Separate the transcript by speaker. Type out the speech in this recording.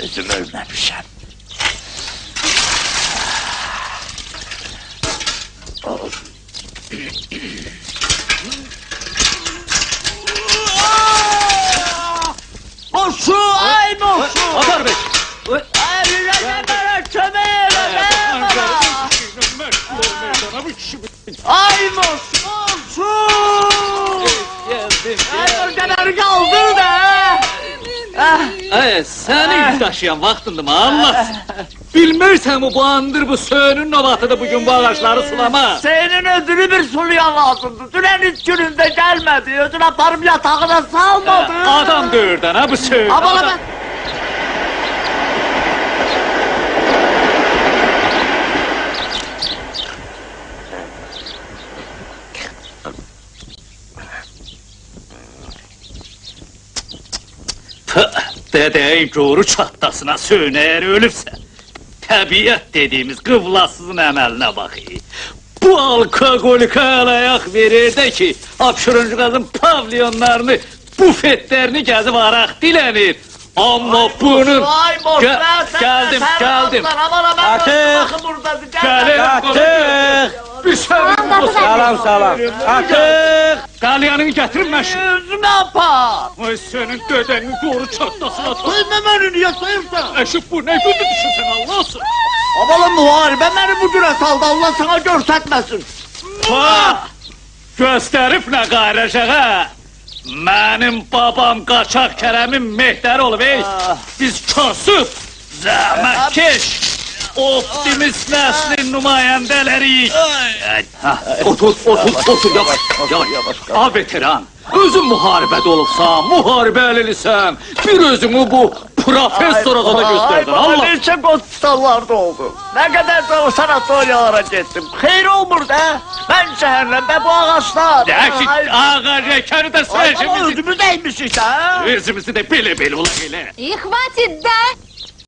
Speaker 1: Özüm ölmemişim. Moşu, ay moşu!
Speaker 2: Atar Bey!
Speaker 1: Ay bana kömeğe bana! Ay moşu, moşu! Ay o kadar kaldır da!
Speaker 2: Seni yük taşıyan vaxtındır mı Allah? Bilmirsən bu andır bu söğünün novatıdır bugün bu ağaçları sulama.
Speaker 1: Senin ödülü bir suluyan lazımdı. Dünen 3 gününde gelmedi. Ödül aparım yatağına salmadı.
Speaker 2: Adam dövürdən ha bu söğün.
Speaker 1: Ama ben...
Speaker 2: Dedeyi doğru çattasına söğün eğer ölürse. Təbiət dediğimiz qıvlasızın əməlinə bax. Bu alkoqolika əlayak verir də ki, apşırıncı qazın pavyonlarını, bufetlərini gəzib araq dilənir. Amma bunun...
Speaker 1: Ay boş ver sen!
Speaker 2: Gəldim.
Speaker 1: Bakın burada.
Speaker 2: Gəlir. Bir sövün.
Speaker 3: Salam. Artıq!
Speaker 2: Qalyanını gətirin məşin.
Speaker 1: Özüme apar.
Speaker 2: Ay senin dedenin doğru çattasına tak.
Speaker 1: Soyma beni niye soyursan?
Speaker 2: Eşif bu ne gündü düşünsen Allah'sın.
Speaker 1: Abalı muharebe beni bu güne saldı. Allah sana görsetmesin.
Speaker 2: Ha! Gösterip ne gayrışağa? Benim babam Qaçaq Kərəmin Mehdər olub ey. Biz kasıb, zəhmətkeş, optimist nəslin nümayəndələriyik. Otur, yavaş. A veteran, özün müharibədə olubsan, müharibə əlilisən, bir özünü bu professora da gösterdin,
Speaker 1: Ay
Speaker 2: Allah!
Speaker 1: baba neçə hospitallarda oldu. Ne kadar da o sanatoriyalara gittim. Xeyr olmur da. Ben şehirlerde bu ağaçlar.
Speaker 2: Deyək ki, ağa rekəni də
Speaker 1: Ay baba
Speaker 2: səhəcimizi...
Speaker 1: ödümü değmiş işte ha.
Speaker 2: Özümüzü də belə-belə ola elə.
Speaker 4: И хватит, да?